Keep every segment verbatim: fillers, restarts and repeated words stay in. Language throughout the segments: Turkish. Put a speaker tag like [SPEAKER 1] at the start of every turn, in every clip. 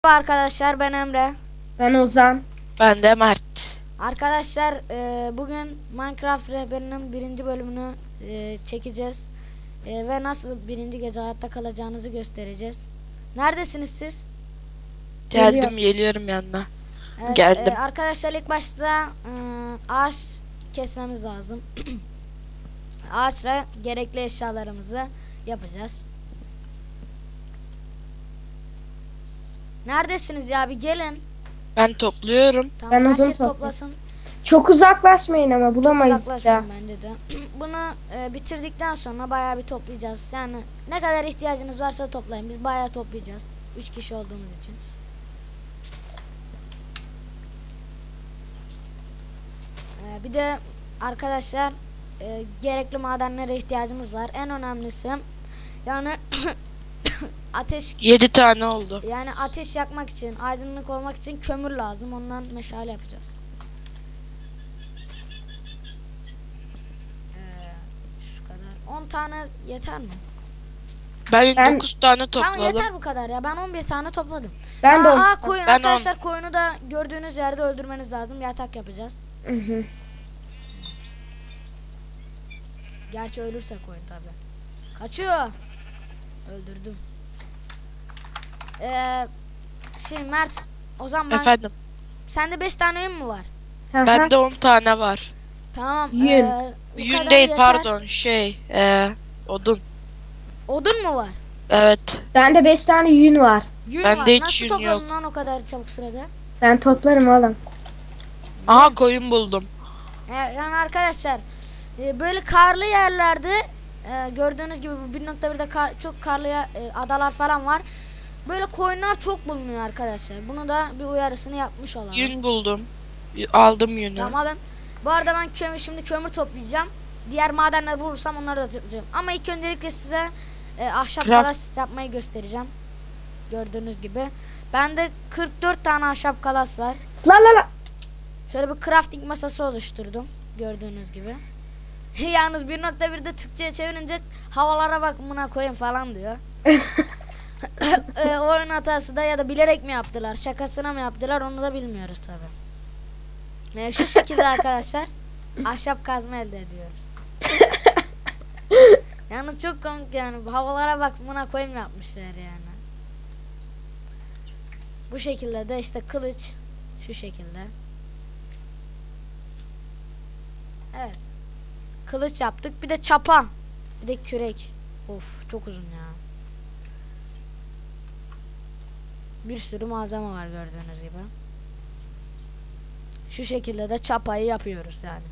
[SPEAKER 1] Merhaba arkadaşlar, ben Emre.
[SPEAKER 2] Ben Ozan.
[SPEAKER 3] Ben de Mert.
[SPEAKER 1] Arkadaşlar e, bugün Minecraft rehberinin birinci bölümünü e, çekeceğiz. E, ve nasıl birinci gece hayatta kalacağınızı göstereceğiz. Neredesiniz siz?
[SPEAKER 3] Geldim
[SPEAKER 2] Geliyorum.
[SPEAKER 3] geliyorum yanına.
[SPEAKER 1] Evet,
[SPEAKER 3] Geldim.
[SPEAKER 1] e, arkadaşlar ilk başta e, ağaç kesmemiz lazım. Ağaçla gerekli eşyalarımızı yapacağız. Neredesiniz ya, bir gelin.
[SPEAKER 3] Ben topluyorum.
[SPEAKER 1] Tamam,
[SPEAKER 2] Ben odun
[SPEAKER 1] herkes
[SPEAKER 2] topluyorum.
[SPEAKER 1] toplasın.
[SPEAKER 2] Çok uzaklaşmayın ama bulamayız ya.
[SPEAKER 1] Uzaklaşmayın bence de. Bunu e, bitirdikten sonra bayağı bir toplayacağız. Yani ne kadar ihtiyacınız varsa toplayın. Biz bayağı toplayacağız. Üç kişi olduğumuz için. E, bir de arkadaşlar e, gerekli madenlere ihtiyacımız var. En önemlisi yani ateş
[SPEAKER 3] Yedi tane oldu.
[SPEAKER 1] yani ateş yakmak için, aydınlık olmak için kömür lazım. Ondan meşale yapacağız. Şu kadar. on tane yeter mi?
[SPEAKER 3] Ben,
[SPEAKER 2] Ben-
[SPEAKER 3] dokuz tane
[SPEAKER 1] Tamam,
[SPEAKER 3] topladım.
[SPEAKER 1] yeter bu kadar ya. Ben on bir tane topladım.
[SPEAKER 2] Ben de
[SPEAKER 1] aa,
[SPEAKER 2] on-
[SPEAKER 1] aa, koyun
[SPEAKER 3] Ben
[SPEAKER 1] arkadaşlar, koyunu da gördüğünüz yerde öldürmeniz lazım. Yatak yapacağız.
[SPEAKER 2] Hı hı.
[SPEAKER 1] Gerçi ölürse koyun tabi. Kaçıyor. Öldürdüm. Ee, şimdi Mert, o zaman ben,
[SPEAKER 3] Efendim.
[SPEAKER 1] sende beş tane yün mü var?
[SPEAKER 2] Hı hı.
[SPEAKER 3] Bende on tane var.
[SPEAKER 1] Tamam.
[SPEAKER 2] Yün.
[SPEAKER 1] ee, bu
[SPEAKER 3] Yün
[SPEAKER 1] kadar
[SPEAKER 3] değil
[SPEAKER 1] yeter.
[SPEAKER 3] pardon şey. Ee, odun.
[SPEAKER 1] Odun mu var?
[SPEAKER 3] Evet.
[SPEAKER 2] Bende beş tane yün var.
[SPEAKER 1] Yün
[SPEAKER 3] Bende
[SPEAKER 1] var.
[SPEAKER 3] hiç
[SPEAKER 1] Nasıl
[SPEAKER 3] yün
[SPEAKER 1] topladın
[SPEAKER 3] yok.
[SPEAKER 1] lan o kadar çabuk sürede?
[SPEAKER 2] Ben toplarım oğlum.
[SPEAKER 3] Aha koyun buldum.
[SPEAKER 1] Ee, Yani arkadaşlar e, böyle karlı yerlerde e, gördüğünüz gibi bu bir nokta birde kar, çok karlı yer- e, adalar falan var. Böyle koyunlar çok bulunuyor arkadaşlar. Bunu da bir uyarısını yapmış olalım.
[SPEAKER 3] Yün buldum. Y- Aldım yünü.
[SPEAKER 1] Tamam, alın. Bu arada ben kömür, şimdi kömür toplayacağım. Diğer madenleri bulursam onları da toplayacağım. Ama ilk öncelikle size e, ahşap
[SPEAKER 3] Craft.
[SPEAKER 1] kalas yapmayı göstereceğim. Gördüğünüz gibi. Bende kırk dört tane ahşap kalas var.
[SPEAKER 2] La la la.
[SPEAKER 1] Şöyle bir crafting masası oluşturdum. Gördüğünüz gibi. Yalnız bir nokta birde Türkçe'ye çevirince havalara bak buna koyun falan diyor. e, oyun hatası da ya da bilerek mi yaptılar, şakasına mı yaptılar, onu da bilmiyoruz tabi. E, şu şekilde arkadaşlar ahşap kazma elde ediyoruz. Yalnız çok komik yani, havalara bak buna koyun yapmışlar yani. Bu şekilde de işte kılıç şu şekilde. Evet. Kılıç yaptık. Bir de çapa. Bir de kürek. Of, çok uzun ya. Bir sürü malzeme var gördüğünüz gibi. Şu şekilde de çapayı yapıyoruz yani.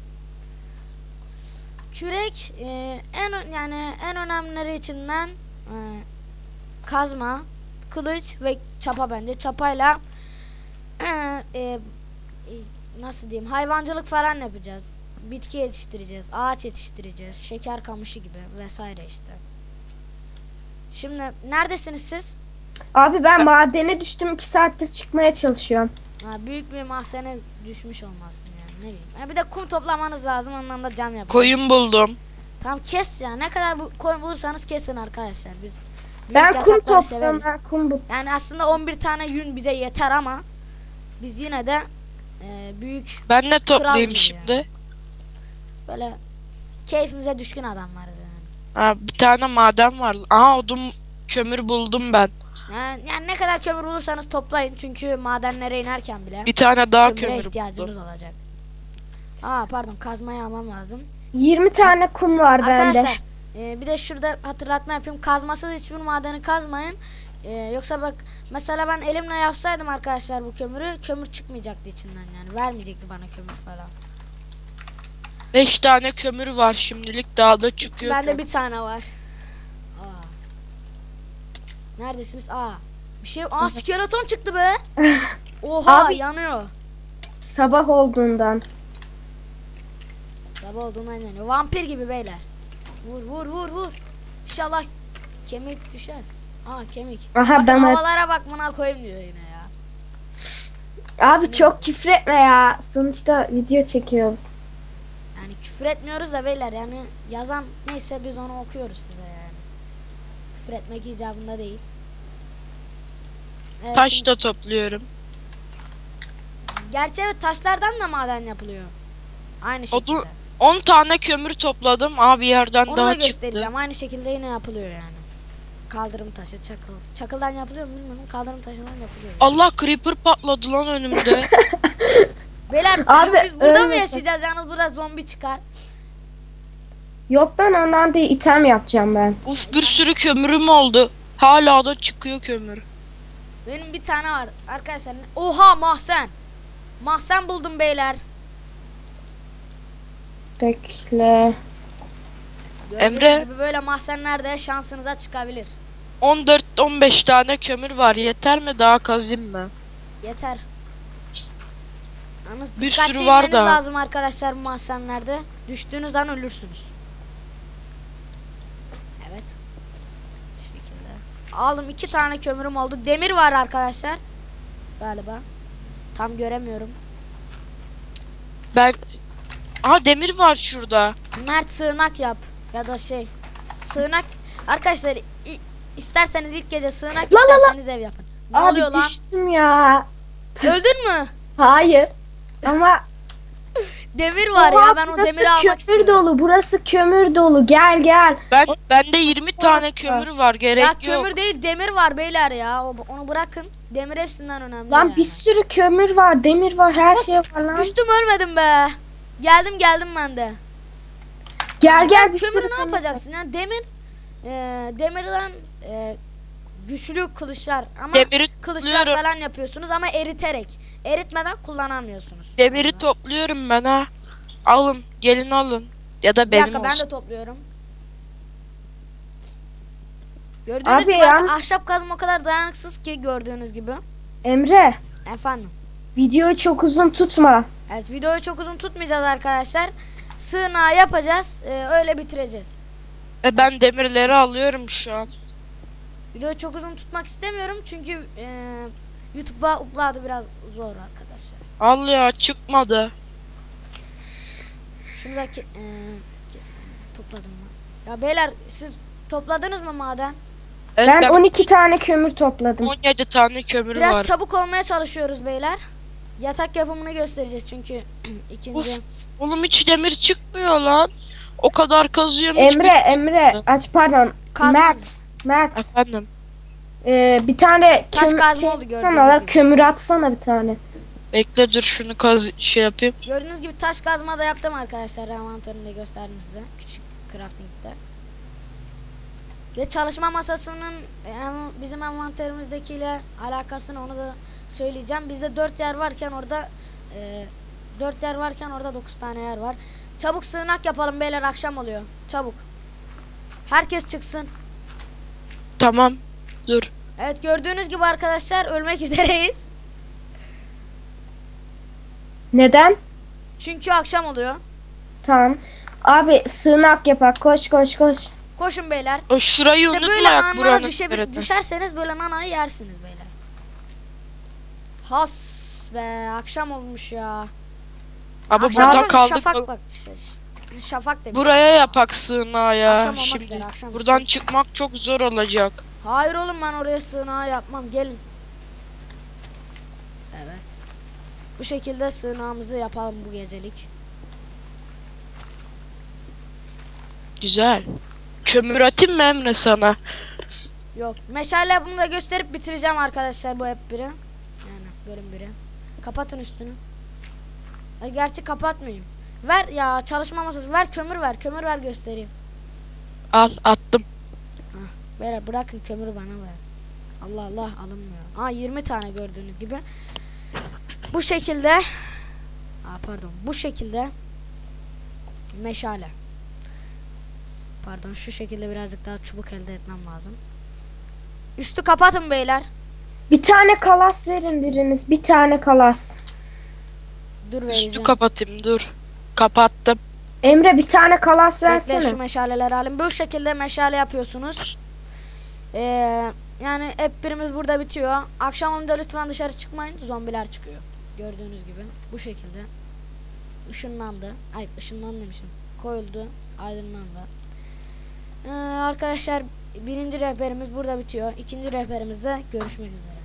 [SPEAKER 1] Kürek e, en ö- yani en önemlileri içinden e, kazma, kılıç ve çapa bence. Çapayla e, e, e, nasıl diyeyim, hayvancılık falan yapacağız. Bitki yetiştireceğiz, ağaç yetiştireceğiz, şeker kamışı gibi vesaire işte. Şimdi neredesiniz siz?
[SPEAKER 2] Abi ben madene düştüm. iki saattir çıkmaya çalışıyorum.
[SPEAKER 1] Ha, büyük bir mahzene düşmüş olmasın yani, ne bileyim. Ha, bir de kum toplamanız lazım, ondan da cam yapacağız.
[SPEAKER 3] Koyun buldum.
[SPEAKER 1] Tamam, kes ya, ne kadar bu koyun bulursanız kesin arkadaşlar, biz büyük
[SPEAKER 2] Ben kum
[SPEAKER 1] yatakları
[SPEAKER 2] topluyorum.
[SPEAKER 1] severiz.
[SPEAKER 2] Ben kum bu.
[SPEAKER 1] Yani aslında on bir tane yün bize yeter ama biz yine de e, büyük
[SPEAKER 3] Ben de toplayayım
[SPEAKER 1] gibi
[SPEAKER 3] şimdi.
[SPEAKER 1] böyle keyfimize düşkün adamlarız yani.
[SPEAKER 3] Ha, bir tane maden var. Aha odun kömür buldum ben.
[SPEAKER 1] Yani, yani ne kadar kömür bulursanız toplayın, çünkü madenlere inerken bile
[SPEAKER 3] Bir tane daha
[SPEAKER 1] kömüre
[SPEAKER 3] kömür
[SPEAKER 1] ihtiyacınız
[SPEAKER 3] buldum.
[SPEAKER 1] olacak. Aa pardon, kazmayı almam lazım.
[SPEAKER 2] yirmi tane kum var bende.
[SPEAKER 1] Arkadaşlar e, bir de şurada hatırlatma yapayım. Kazmasız hiçbir madeni kazmayın. E, yoksa bak, mesela ben elimle yapsaydım arkadaşlar bu kömürü, kömür çıkmayacaktı içinden yani. Vermeyecekti bana kömür falan.
[SPEAKER 3] Beş tane kömür var şimdilik, daha da çıkıyor.
[SPEAKER 1] Bende
[SPEAKER 3] kömür.
[SPEAKER 1] bir tane var. Aa. Neredesiniz? Aa. Bir şey. Aa, skeleton çıktı be. Oha,
[SPEAKER 2] Abi-
[SPEAKER 1] yanıyor.
[SPEAKER 2] Sabah olduğundan.
[SPEAKER 1] Sabah olduğundan yanıyor. Vampir gibi beyler. Vur vur vur vur. İnşallah kemik düşer. Aa, kemik.
[SPEAKER 2] Aha,
[SPEAKER 1] Bakın
[SPEAKER 2] ben-
[SPEAKER 1] havalara bak buna koyayım diyor yine ya.
[SPEAKER 2] Abi çok küfretme ya. Sonuçta video çekiyoruz.
[SPEAKER 1] Yani küfür etmiyoruz da beyler, yani yazan neyse biz onu okuyoruz size yani. Küfür etmek icabında değil. Ee,
[SPEAKER 3] Taş
[SPEAKER 1] şimdi-
[SPEAKER 3] da topluyorum.
[SPEAKER 1] Gerçi evet, taşlardan da maden yapılıyor. Aynı şekilde.
[SPEAKER 3] Odun- on tane kömür topladım. Abi yerden
[SPEAKER 1] Onu da
[SPEAKER 3] daha çıktı.
[SPEAKER 1] göstereceğim. Aynı şekilde yine yapılıyor yani. Kaldırım taşı, çakıl. Çakıldan yapılıyor mu bilmiyorum. Kaldırım taşından yapılıyor. Yani.
[SPEAKER 3] Allah creeper patladı lan önümde.
[SPEAKER 1] Beyler
[SPEAKER 2] Abi,
[SPEAKER 1] biz burada mı
[SPEAKER 2] ölmesin.
[SPEAKER 1] yaşayacağız? Yalnız burada zombi çıkar.
[SPEAKER 2] Yok ben ondan değil item yapacağım ben.
[SPEAKER 3] Uf, bir sürü kömürüm oldu. Hala da çıkıyor kömür.
[SPEAKER 1] Benim bir tane var arkadaşlar. Oha, mahzen. Mahzen buldum beyler.
[SPEAKER 2] Bekle.
[SPEAKER 1] Gördüğünüz
[SPEAKER 3] Emre.
[SPEAKER 1] gibi böyle mahzenlerde şansınıza çıkabilir.
[SPEAKER 3] on dört on beş tane kömür var. Yeter mi? Daha kazayım mı?
[SPEAKER 1] Yeter. Yalnız
[SPEAKER 3] Bir
[SPEAKER 1] dikkatli
[SPEAKER 3] sürü var
[SPEAKER 1] inmeniz
[SPEAKER 3] da.
[SPEAKER 1] lazım arkadaşlar bu mahzenlerde. Düştüğünüz an ölürsünüz. Evet. Şu şekilde. Aldım, iki tane kömürüm oldu. Demir var arkadaşlar. Galiba. Tam göremiyorum.
[SPEAKER 3] Ben... Aha, demir var şurada.
[SPEAKER 1] Mert, sığınak yap. Ya da şey. Sığınak. Arkadaşlar i- isterseniz ilk gece sığınak,
[SPEAKER 2] La la la.
[SPEAKER 1] isterseniz ev yapın. Ne
[SPEAKER 2] Abi
[SPEAKER 1] oluyor lan?
[SPEAKER 2] düştüm ya.
[SPEAKER 1] Öldün mü?
[SPEAKER 2] Hayır. Ama
[SPEAKER 1] Demir var
[SPEAKER 2] Oha,
[SPEAKER 1] ya, ben o
[SPEAKER 2] burası
[SPEAKER 1] demiri almak
[SPEAKER 2] kömür
[SPEAKER 1] istiyorum.
[SPEAKER 2] dolu. Burası kömür dolu. Gel gel.
[SPEAKER 3] Ben bende yirmi tane kömür var. Gerek
[SPEAKER 1] Ya
[SPEAKER 3] yok.
[SPEAKER 1] kömür değil, demir var beyler ya. O- Onu bırakın. Demir hepsinden önemli.
[SPEAKER 2] Lan
[SPEAKER 1] yani.
[SPEAKER 2] bir sürü kömür var, demir var, her
[SPEAKER 1] Of,
[SPEAKER 2] şey var lan.
[SPEAKER 1] Düştüm, ölmedim be. Geldim geldim ben de.
[SPEAKER 2] Gel gel bir
[SPEAKER 1] Kömürü
[SPEAKER 2] sürü
[SPEAKER 1] ne
[SPEAKER 2] kömür var.
[SPEAKER 1] yapacaksın? Yani demir e, demirden e, güçlü kılıçlar ama
[SPEAKER 3] Demiri
[SPEAKER 1] kılıçlar
[SPEAKER 3] topluyorum.
[SPEAKER 1] falan yapıyorsunuz ama eriterek. Eritmeden kullanamıyorsunuz.
[SPEAKER 3] Demiri topluyorum ben ha. Alın. Gelin alın. Ya da
[SPEAKER 1] Bir
[SPEAKER 3] benim
[SPEAKER 1] dakika, ben
[SPEAKER 3] olsun.
[SPEAKER 1] de topluyorum. Gördüğünüz
[SPEAKER 2] Abi
[SPEAKER 1] gibi
[SPEAKER 2] yalnız-
[SPEAKER 1] ahşap kazma o kadar dayanıksız ki, gördüğünüz gibi.
[SPEAKER 2] Emre,
[SPEAKER 1] Efendim.
[SPEAKER 2] videoyu çok uzun tutma.
[SPEAKER 1] Evet, videoyu çok uzun tutmayacağız arkadaşlar. Sığınağı yapacağız. e, öyle bitireceğiz.
[SPEAKER 3] E ben demirleri alıyorum şu an.
[SPEAKER 1] Videoyu çok uzun tutmak istemiyorum çünkü e, YouTube'a upload'ı biraz zor arkadaşlar.
[SPEAKER 3] Al ya, çıkmadı.
[SPEAKER 1] Şunu da ki, e, ki- topladım mı? Ya beyler, siz topladınız mı maden?
[SPEAKER 3] Evet,
[SPEAKER 2] Ben
[SPEAKER 3] ben
[SPEAKER 2] on iki tane kömür topladım.
[SPEAKER 3] on yedi tane kömür
[SPEAKER 1] Biraz
[SPEAKER 3] var.
[SPEAKER 1] çabuk olmaya çalışıyoruz beyler. Yatak yapımını göstereceğiz çünkü ikinci.
[SPEAKER 3] Of. Oğlum hiç demir çıkmıyor lan. O kadar kazıyorum.
[SPEAKER 2] Emre,
[SPEAKER 3] hiçbir-
[SPEAKER 2] Emre, aç pardon.
[SPEAKER 1] Kazma.
[SPEAKER 2] Mert, Mert.
[SPEAKER 3] Efendim.
[SPEAKER 2] Ee, bir tane
[SPEAKER 1] Taş
[SPEAKER 2] kömür
[SPEAKER 1] kazma
[SPEAKER 2] şey
[SPEAKER 1] oldu gördüğünüz
[SPEAKER 2] atsana la,
[SPEAKER 1] gibi.
[SPEAKER 2] kömür atsana bir tane.
[SPEAKER 3] Bekle, dur şunu kaz şey yapayım.
[SPEAKER 1] Gördüğünüz gibi taş kazma da yaptım arkadaşlar. Envanterinde gösterdim size. Küçük crafting'de. Ve çalışma masasının em, bizim envanterimizdekiyle alakasını onu da söyleyeceğim. Bizde dört yer varken orada e, dört yer varken orada dokuz tane yer var. Çabuk sığınak yapalım beyler, akşam oluyor. Çabuk. Herkes çıksın.
[SPEAKER 3] Tamam. Dur.
[SPEAKER 1] Evet, gördüğünüz gibi arkadaşlar ölmek üzereyiz.
[SPEAKER 2] Neden?
[SPEAKER 1] Çünkü akşam oluyor.
[SPEAKER 2] Tamam. Abi sığınak yapak. Koş koş koş.
[SPEAKER 1] Koşun beyler.
[SPEAKER 3] O şurayı
[SPEAKER 1] İşte böyle
[SPEAKER 3] unutma,
[SPEAKER 1] anlara
[SPEAKER 3] buranın
[SPEAKER 1] düşebil-
[SPEAKER 3] nerede.
[SPEAKER 1] düşerseniz böyle nanayı yersiniz beyler. Has be, akşam olmuş ya.
[SPEAKER 3] Ama
[SPEAKER 1] Akşam
[SPEAKER 3] burada
[SPEAKER 1] olmuş,
[SPEAKER 3] kaldık.
[SPEAKER 1] Şafak bak. Şey, şafak demiş.
[SPEAKER 3] Buraya yapak sığınağı ya.
[SPEAKER 1] Akşam olmak
[SPEAKER 3] Şimdi
[SPEAKER 1] üzere, akşam
[SPEAKER 3] buradan
[SPEAKER 1] üzere.
[SPEAKER 3] çıkmak çok zor olacak.
[SPEAKER 1] Hayır oğlum, ben oraya sığınağı yapmam. Gelin. Evet. Bu şekilde sığınağımızı yapalım bu gecelik.
[SPEAKER 3] Güzel. Kömür atayım mı Emre sana?
[SPEAKER 1] Yok. Meşale yapımını da gösterip bitireceğim arkadaşlar bu hep biri. Yani bölüm biri. Kapatın üstünü. Ay, gerçi kapatmayayım. Ver ya, çalışma masası. Ver kömür ver. Kömür ver göstereyim.
[SPEAKER 3] Al, attım.
[SPEAKER 1] Beyler bırakın kömürü bana ver. Allah Allah, alınmıyor. Aa, yirmi tane gördüğünüz gibi. Bu şekilde. Aa, pardon. Bu şekilde. Meşale. Pardon, şu şekilde birazcık daha çubuk elde etmem lazım. Üstü kapatın beyler.
[SPEAKER 2] Bir tane kalas verin biriniz. Bir tane kalas.
[SPEAKER 1] Dur
[SPEAKER 3] Üstü
[SPEAKER 1] vereceğim.
[SPEAKER 3] kapatayım, dur. Kapattım.
[SPEAKER 2] Emre bir tane kalas
[SPEAKER 1] Bekle,
[SPEAKER 2] versene.
[SPEAKER 1] şu meşaleleri alayım. Bu şekilde meşale yapıyorsunuz. Ee, yani hep birimiz burada bitiyor. Akşam onda lütfen dışarı çıkmayın. Zombiler çıkıyor. Gördüğünüz gibi. Bu şekilde. Işınlandı. Ay, ışınlandı demişim. Koyuldu. Aydınlandı. Ee, arkadaşlar, birinci rehberimiz burada bitiyor. İkinci rehberimizde görüşmek üzere.